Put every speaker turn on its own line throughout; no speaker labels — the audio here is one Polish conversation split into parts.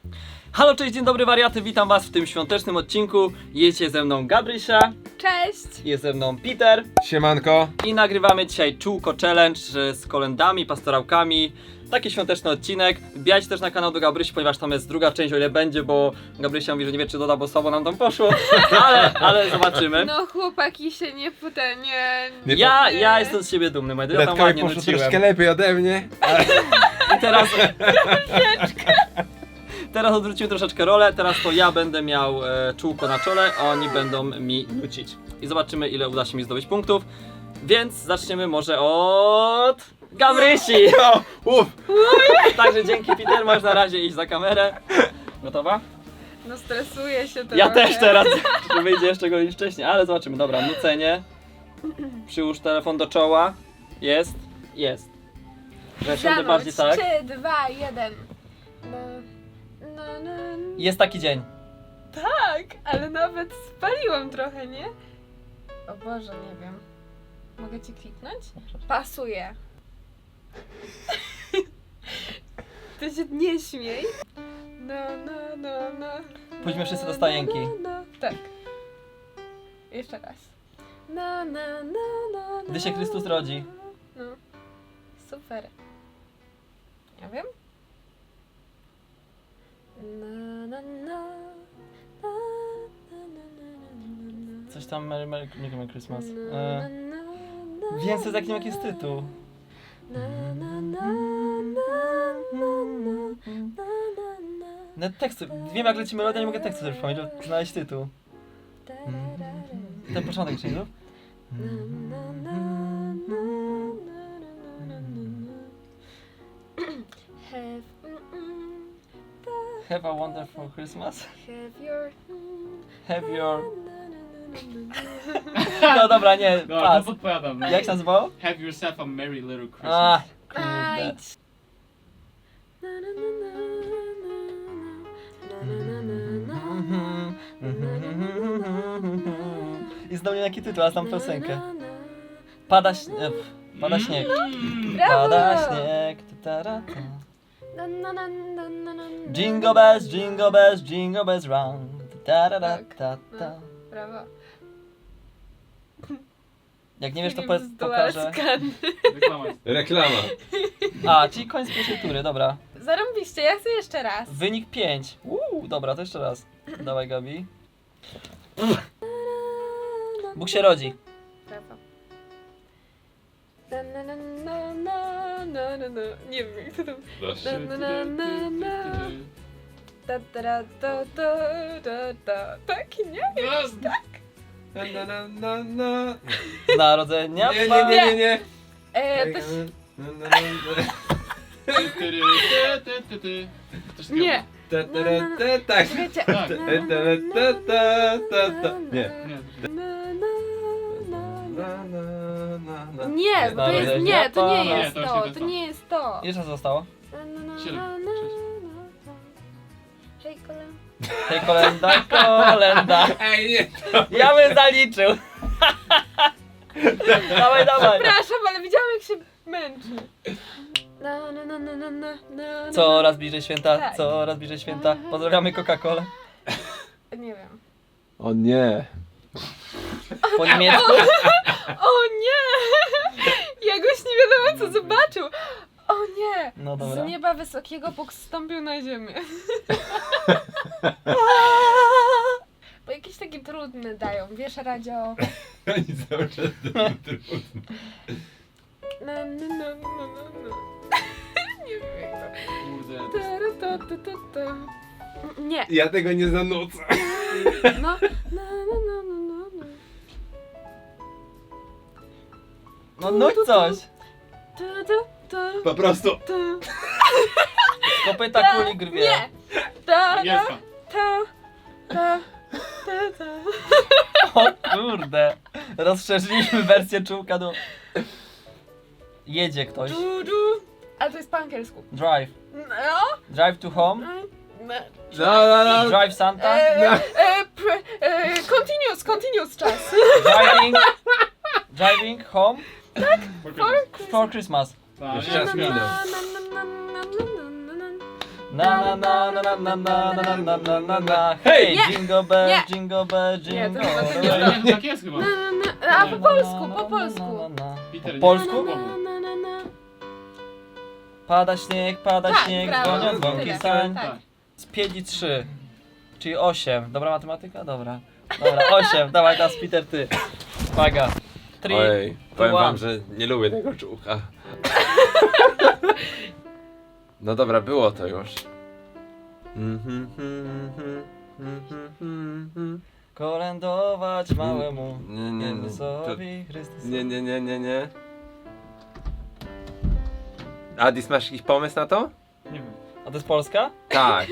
Halo, cześć, dzień dobry wariaty, witam was w tym świątecznym odcinku. Jest ze mną Gabrysia.
Cześć!
Jest ze mną Peter.
Siemanko.
I nagrywamy dzisiaj czółko challenge z kolendami, pastorałkami. Taki świąteczny odcinek. Wbijajcie też na kanał do Gabrysi, ponieważ tam jest druga część, o ile będzie, bo Gabrysia mówi, że nie wie, czy doda, bo słabo nam tam poszło. ale zobaczymy.
No chłopaki się nie
Ja jestem z siebie dumny, moi drodzy, ja tam
Redkowi
ładnie
poszło
nuciłem.
troszkę lepiej ode mnie.
I teraz odwrócimy troszeczkę rolę, teraz to ja będę miał czółko na czole, a oni będą mi nucić. I zobaczymy, ile uda się mi zdobyć punktów. Więc zaczniemy może od Gabrysi! Także dzięki, Peter, możesz na razie iść za kamerę. Gotowa?
No stresuję się trochę.
Ja też teraz, że wyjdzie jeszcze godzin wcześniej, ale zobaczymy. Dobra, nucenie. Przyłóż telefon do czoła. Jest. Że siądę bardziej tak.
3, 2, 1. No.
Jest taki dzień.
Tak, ale nawet spaliłam trochę, nie? O Boże, nie wiem. Mogę ci kliknąć? Pasuje. Ty się nie śmiej. No.
Pójdźmy wszyscy do stajenki.
No. Tak. Jeszcze raz. No.
Gdy się Chrystus rodzi.
No. Super. Ja wiem.
Coś tam Merry Christmas. Wiem, co jaki jest tytuł. Teksty. Wiem, jak leci melodia, nie mogę tekstu sobie przypomnieć, żeby znaleźć tytuł. Ten początek jeszcze nie? Have a wonderful Christmas. Have your... No dobra, nie,
No,
pas.
to podpowiadam.
Jak się nazywało?
Have yourself a merry little Christmas.
A, kurde. I znowu jaki tytuł, a znam piosenkę. Pada śnieg. Pada śnieg.
Brawo!
Pada śnieg. Ta-ta-ra-ta. Jingle bells, jingle bells round. Ta-ra-ra-ta-ta.
Brawo.
Jak nie wiesz, to
Filip z
pokażę.
Dualscan.
Reklama jest.
Reklama.
A, czyli koniec pierwszej tury, dobra.
Zarąbiście, ja chcę jeszcze raz.
Wynik 5. Dobra, to jeszcze raz. Dawaj, Gabi. Bóg się rodzi.
Brawo. Nie wiem jak to tam. Tak, nie?
Z narodzenia.
Nie.
To się...
Coś
Nie.
Tak.
Wiecie.
Tak.
Nie.
Nie.
Nie, bo to jest... Nie, to nie
Nie,
jest
to
to.
właśnie
To
to.
nie jest to.
Jeszcze co zostało?
7, 6.
Hej, kolem.
Hej, kolenda.
Ej, nie.
Ja bym zaliczył. Dawaj.
Przepraszam, ale widziałam jak się męczy.
Coraz bliżej święta,
Tak.
coraz bliżej święta. Pozdrawiamy Coca-Colę.
Nie wiem.
O nie.
Po niemiecku.
O nie! Jakoś nie wiadomo co zobaczył. O nie!
No dobra.
Z nieba wysokiego Bóg zstąpił na ziemię. Bo jakieś takie trudne dają, wiesz, radio.
Oni cały czas trudno.
Nie wiem jak to.
Kurde.
Nie.
Ja tego nie zanucę.
No.
No nuć coś.
Po prostu.
Z kopyta kuli grwie.
Nie.
Angielska.
O kurde. Rozszerzyliśmy wersję czółka do... Jedzie ktoś.
Ale to jest po angielsku.
Drive.
No.
Drive to home.
No.
Drive Santa.
Continuous czas.
Driving home for Christmas.
Tak,
Jeszcze raz minął.
Na na na na na na na na na na na na. Hej!
Nie!
Jingle bell,
Nie!
jingle bell,
Nie,
jingle
to chyba to nie
bell.
Ale nie, tak jest chyba.
A po polsku, po polsku.
Peter,
Po polsku?
Na, na, na, na.
Pada śnieg,
Tak,
śnieg,
brawo,
dzwonią dzwonki
tyle,
sań.
tak.
Z 5 i 3, czyli 8. Dobra matematyka? Dobra. Dobra, 8. Dawaj teraz Peter, ty. Uwaga. 3,
Ojej, powiem
one.
wam, że nie lubię tego czułka. No dobra, było to już.
kolędować małemu
Nie, nie, nie.
Jezusowi Chrystusowi.
Nie, nie, nie, nie, nie. Adis, masz jakiś pomysł na to?
Nie wiem.
A to jest Polska?
Tak.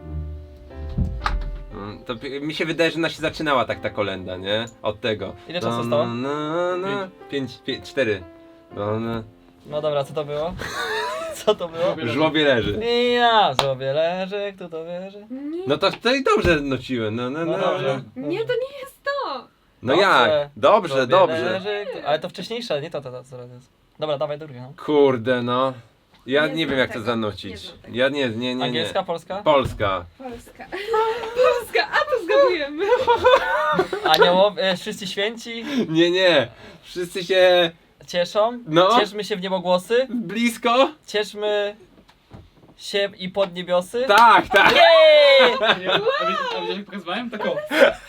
To mi się wydaje, że ona się zaczynała tak ta kolenda, nie? Od tego.
Ile czasu zostało?
5, 4.
No dobra, co to było? Co to było?
W żłobie leży.
I ja sobie leży, kto to wierzy?
Nie,
No to i dobrze nociłem. No
dobrze.
nie, to nie jest to.
No
Dobrze.
jak? Dobrze,
Sobie
dobrze.
Leży, ale to wcześniejsze, nie to co jest. Dobra, dawaj drugie. No.
Kurde, no. Ja
Nie
nie wiem
znam
jak to
tego.
zanucić.
Nie znam tego.
Ja nie.
Angielska, polska?
Polska.
Polska. Polska, a to zgadujemy.
Aniołowie, wszyscy święci
Nie. Wszyscy się
cieszą.
No.
Cieszmy się w niebogłosy.
blisko?
Cieszmy się i pod niebiosy.
Tak.
Jej!
A widziałeś jak pokazywałem? Tak o.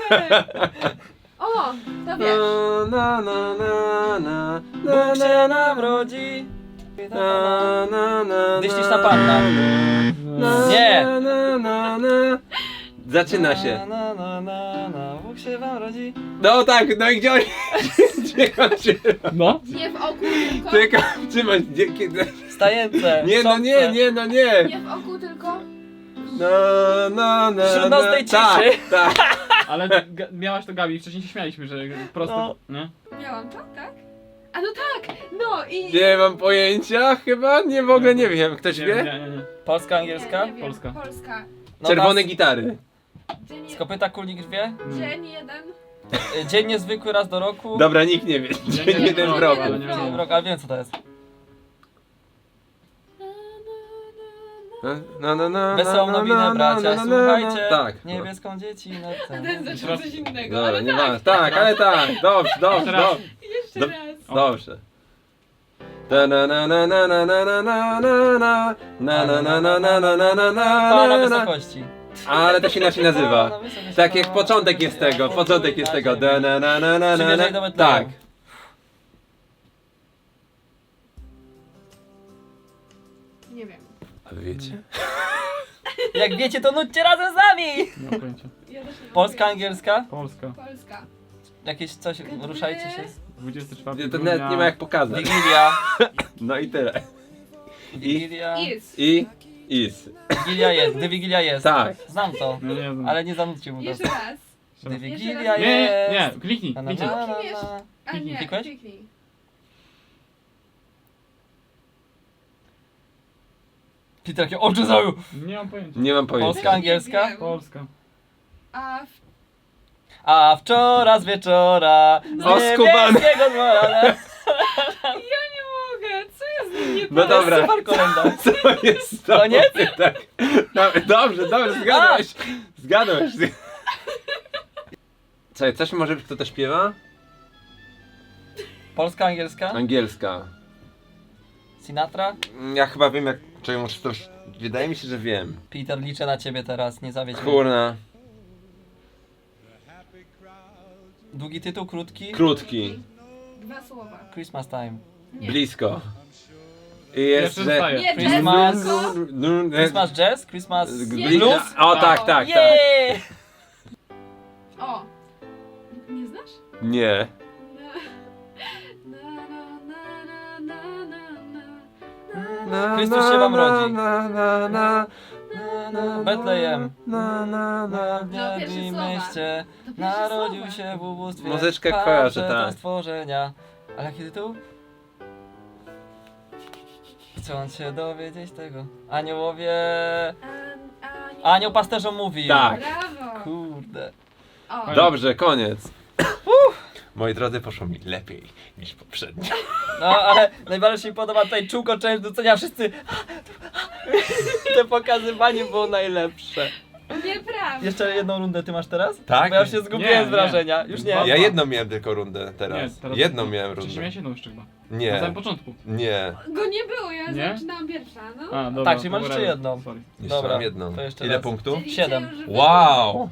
O, to wiesz.
Bóg się nam rodzi. Dyśliczna panna. Nie.
Zaczyna się.
Bóg się wam rodzi.
No tak, no i gdzie oni? Gdzie kończy?
No.
Nie w oku tylko.
Tylko, trzymaj, kiedy?
Stajence.
Nie, no nie.
Nie w oku tylko.
Wśród nocnej
Tak,
ciszy.
tak.
Ale miałaś to Gabi, wcześniej się śmialiśmy, że prosto,
No.
nie?
Miałam to, tak? A no tak, no i...
Nie mam pojęcia, chyba w ogóle nie wiem. Ktoś
Nie,
wie?
nie.
Polska, angielska?
Nie wiem.
Polska.
Polska.
No
Czerwone
nas-
gitary.
Dzień,
Z kopyta kulnik wie?
dzień jeden.
Dzień niezwykły raz do roku.
Dobra, nikt nie wie.
Ja
Dzień
nie
jeden
wiem,
w roku.
ale nie
Dzień
wiem.
w roku, ale wiem co to jest. Wesołą nowinę bracia, słuchajcie.
Tak.
Niebieską dziecinę.
A ten zaczął coś innego,
Dobra,
ale
nie
tak.
ma. Tak, ale tak. Dobrze.
Jeszcze
Do-
raz.
Dobrze. Na na na na na na na na na na na na na na na na na na na
Cała na
na na.
wysokości.
Ale to się inaczej nazywa.
Na wysokości.
Tak jak początek jest tego, początek jest tego. Da, na, na, na, na, na,
Przymierzaj do
na.
Betlejem.
Tak.
Nie wiem.
A wy wiecie?
Jak wiecie, to nudźcie razem z nami!
Nie mam pojęcia.
Ja też nie mam
Polska,
pojęcia.
angielska?
Polska.
Polska.
Jakieś coś, ruszajcie się.
24
To nawet nie ma jak pokazać.
Wigilia.
No i tyle.
Wigilia.
Is.
Is.
Wigilia jest, gdy Wigilia jest.
Tak.
Znam to,
No nie znam.
ale nie zanudźcie mu
Jeszcze
to.
raz.
Gdy
Jeszcze
Wigilia
raz.
Nie,
jest.
nie, kliknij,
Na, na,
kliknij.
na, na,
Wiesz?
na.
A nie,
Klikłeś?
kliknij.
Peter, jakie oczy zajął.
Nie mam pojęcia.
Nie mam pojęcia.
Polska, angielska?
Nie wiem.
Polska.
A
A wczoraj z wieczora z
O, skubany.
niebieskiego dwora.
ja nie mogę. Co jest z nim nie
No
tak?
dobra.
Super kolenda.
Co jest to?
Koniec?
Tak. No, dobrze, zgadłeś. Zgadłeś. Słuchaj, coś może być, kto to śpiewa?
Polska, angielska?
Angielska.
Sinatra?
Ja chyba wiem jak... Czekaj, może to już... Wydaje mi się, że wiem.
Peter, liczę na ciebie teraz, nie zawiedź mnie.
Kurna.
Długi tytuł, krótki?
Krótki.
Dwa słowa.
Christmas time.
Nie.
Blisko. I
Jeszcze
jest, że...
zostaje.
Nie,
Christmas.
Jessica.
Christmas jazz? Christmas
Nie,
blues?
O tak, tak.
Jej!
O. Nie znasz?
Nie.
Chrystus się wam rodzi.
Na.
Betlejem.
No, pierwsze
W
słowa.
mieście
To pierwsze
narodził
słowa.
się w ubóstwie.
Muzyczkę
Patrz,
kojarzę,
to
tak.
stworzenia. Ale jaki tytuł? Chcąc się dowiedzieć tego. Aniołowie... Anioł pasterzom mówi.
Tak.
Brawo.
Kurde.
O.
Dobrze, koniec. Moi drodzy, poszło mi lepiej niż poprzednio.
No ale najbardziej mi się podoba tutaj czółko część docenia wszyscy. To pokazywanie było najlepsze.
Nieprawda.
Jeszcze jedną rundę ty masz teraz?
Tak.
Bo ja już się zgubiłem
Nie,
z wrażenia. Już nie.
Ja jedną miałem tylko rundę
Nie,
teraz.
teraz
Jedną miałem
Wcześniej
rundę.
miałeś jedną jeszcze chyba. Na samym
Nie,
początku.
nie.
Go nie było, ja
Nie?
zaczynałam pierwsza, no.
A, dobra.
Tak, czyli
to
masz jeszcze
whatever.
jedną.
Sorry.
Jeszcze
Dobra,
mam jedną.
to jeszcze
Ile
raz.
punktów?
Czyli
7.
cię już
Wow!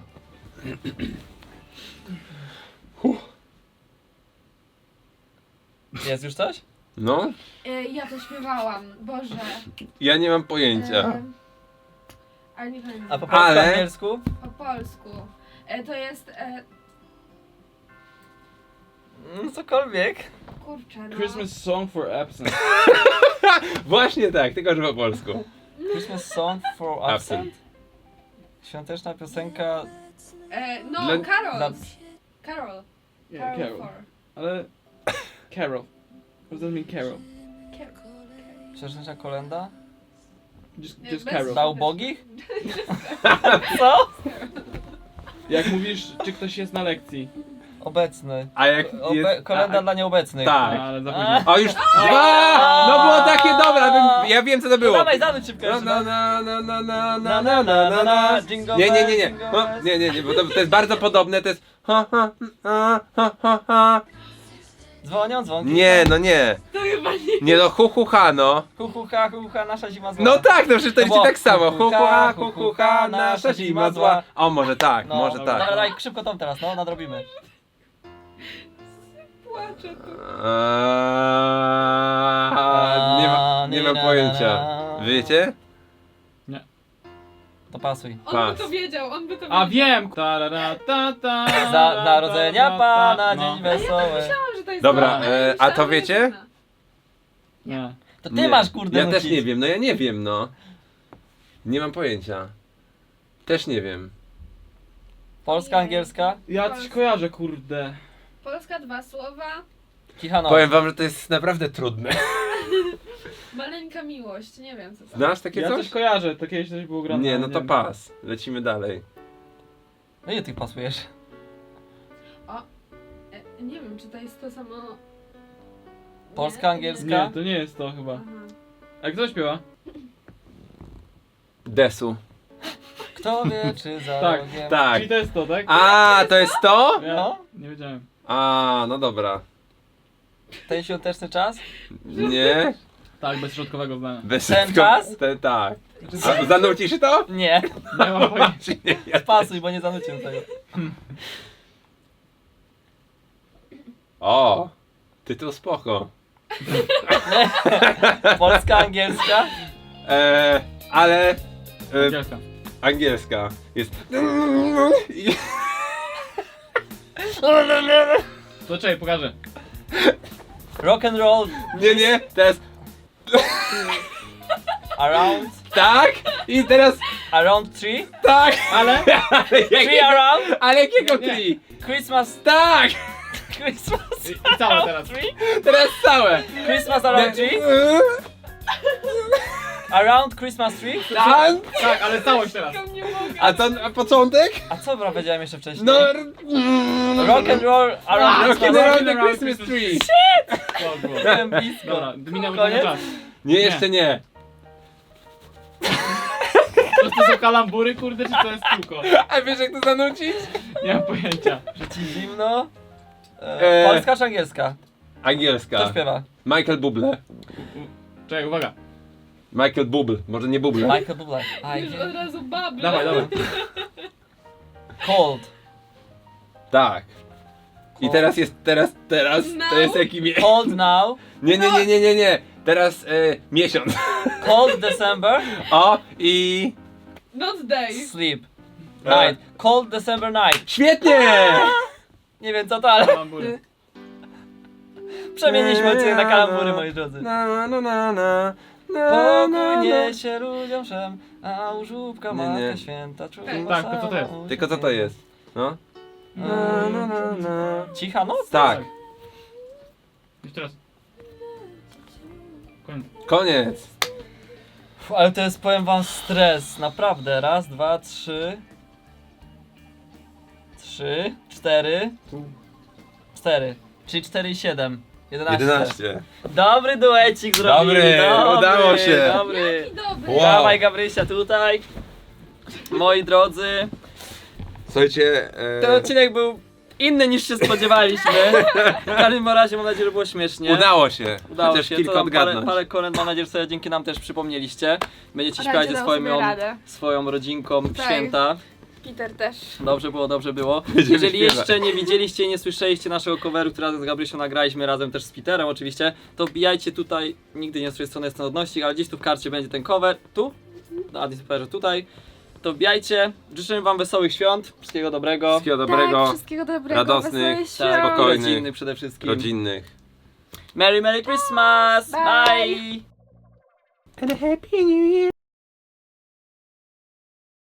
Jest już coś?
No,
Ja to śpiewałam, Boże.
ja nie mam pojęcia.
Ale nie pamiętam.
A po polsku,
Ale-
angielsku?
Po polsku. To jest,
Cokolwiek.
kurczę, no.
Christmas song for absence.
Właśnie tak, tylko że po polsku.
Christmas song for absent.
Absent.
Świąteczna piosenka.
No,
Dla-
Carol.
dla-
Carol.
Yeah, Carol.
for.
Ale... Carol. What does that mean Carol?
Świąteczna kolenda?
Just
Bez-
Carol.
Dla ubogich? Co?
Jak mówisz, czy ktoś jest na lekcji.
Obecny.
A jak jest...
Kolenda dla nieobecnych.
Tak.
No, ale za późno.
O już... A! No było takie dobre, ja wiem co to było.
Dawaj, zanuć się w
Na
każdym
na
razie.
na na na na na na na na.
Jingle
Nie, nie, nie,
bells,
nie.
jingle
No,
bells.
nie, nie, nie, bo to jest bardzo podobne, to jest ha ha ha ha ha ha.
Dzwonią, dzwonki.
Nie, no nie.
To chyba nie.
Nie no, hu hu ha no.
Hu, ha, nasza zima zła.
No tak, no przecież to
było
jest tak samo.
hu,
Hu
hu,
hu ha, nasza zima zła. O, może tak,
No,
może
dobra,
tak.
dawaj, szybko tą teraz, no, nadrobimy.
Płaczę tu.
Nie mam pojęcia. Wiecie?
To pasuj.
On
Pas.
by to wiedział, on by to
A
wiedział.
wiem! Ta, ta, ta,
Za narodzenia Pana,
no.
dzień wesoły.
Myślałam, że to jest
Dobra,
to, ale
a to
myślałam, że
wiecie?
jest inna.
Nie.
To ty
Nie.
masz, kurde,
Ja też
nucić.
nie wiem, no ja nie wiem, no. Nie mam pojęcia. Też nie wiem.
Polska, angielska?
Ja coś kojarzę, kurde.
Polska, 2 słowa.
Kichanow.
Powiem wam, że to jest naprawdę trudne.
Maleńka miłość, nie wiem co to.
Znasz takie
Ja
coś?
coś kojarzę, to kiedyś coś było grane.
Nie,
ale
no to
wiem.
pas. Lecimy dalej.
No ile ty pasujesz?
Nie wiem, czy to jest to samo.
Polska,
Nie?
angielska?
Nie, to nie jest to chyba.
Aha.
A kto śpiewa?
Desu.
Kto wie, czy za
Tak,
rogiem...
Tak.
Czyli to jest to, tak?
A, to jest to?
Ja
No.
nie wiedziałem.
A, no dobra.
Ten świąteczny czas?
Nie?
Tak, bez środkowego zdania.
Bez
Ten
wszystko-
czas?
Ten, tak. A zanucisz to?
Nie.
Nie mam pojęcia.
Czy nie? Ja...
Pasuj, bo nie zanuciłem tego.
O! Tytuł spoko.
Polska, angielska?
Ale...
Angielska.
angielska. Jest...
To czekaj, pokażę.
Rock and roll
Nie, nie, teraz...
around
Tak! I teraz...
tree?
Tak!
Ale...
Ale
Tree
jakiego...
around?
Ale jakiego
Nie.
tree?
Christmas,
Tak!
Christmas
I całe teraz.
tree?
Teraz całe!
Christmas around tree? Around Christmas tree?
Tak!
Tak, ale całość teraz.
Tylko nie mogę.
A to a początek?
A co bro powiedziałem jeszcze wcześniej?
No...
Rock and roll around
Rock and
Christmas
roll
tree?
the Christmas tree!
To było.
Byłem blisko.
Dobra, minął
Koniec?
ten czas.
Nie, jeszcze nie.
To są kalambury, kurde, czy to jest kółko?
A wiesz jak to zanucić?
Nie mam pojęcia.
Że ci zimno?
Eee.
Polska czy angielska? Kto
Angielska.
śpiewa?
Michael Bublé.
Czekaj, uwaga.
Michael Bublé, może nie Bublé.
Michael Bublé.
Już od razu bable.
Dawaj, dawaj.
Cold.
Tak. I teraz jest, teraz, to jest jaki
Cold now.
Nie. Teraz miesiąc.
Cold December.
O, i...
Not day.
Sleep. Night. Cold December night.
Świetnie!
Nie wiem co to, ale
Kalambury.
przemieniliśmy odcinek na kalambury, moi drodzy.
Na, na, na, na.
Pokój niesie ludziom wszem, a u żłóbka
Nie,
Matka
nie.
Święta czuwa
Tak, to co to jest?
Tylko co to jest? No. Na, na, na, na.
Cicha noc?
Tak,
Jeszcze raz. Koniec.
koniec.
Ale to jest, powiem wam, stres, naprawdę. Raz, dwa, trzy. 4. 4. Czyli 4 i 7.
11.
Dobry duecik zrobili.
Dobry, udało się.
Dobry.
Jaki dobry.
Wow.
Dawaj Gabrysia tutaj. Moi drodzy,
Słuchajcie,
ten odcinek był inny niż się spodziewaliśmy. W każdym razie mam nadzieję, że było śmiesznie.
udało się.
Udało
Chociaż
się,
kilka
to tam
odgadnąć.
parę kolęd mam nadzieję, że sobie dzięki nam też przypomnieliście. Będziecie
Radzie
śpiewać ze
dał sobie radę.
swoją rodzinką w
Tak.
święta.
Peter też.
Dobrze było, dobrze było.
Będziemy
Jeżeli
śpiewać.
jeszcze nie widzieliście i nie słyszeliście naszego coveru, który razem z Gabrysią nagraliśmy, razem też z Peterem oczywiście, to wbijajcie tutaj, nigdy nie z tej strony jest ten odnośnik, ale gdzieś tu w karcie będzie ten cover, tu, na Adniperze tutaj. To wbijajcie, życzymy wam wesołych świąt, wszystkiego dobrego,
Wszystkiego dobrego,
Tak, wszystkiego dobrego.
radosnych,
wesołych
tak,
świąt.
spokojnych.
rodzinnych przede wszystkim.
rodzinnych.
Merry Merry Christmas!
Bye.
Bye.
And a happy new year.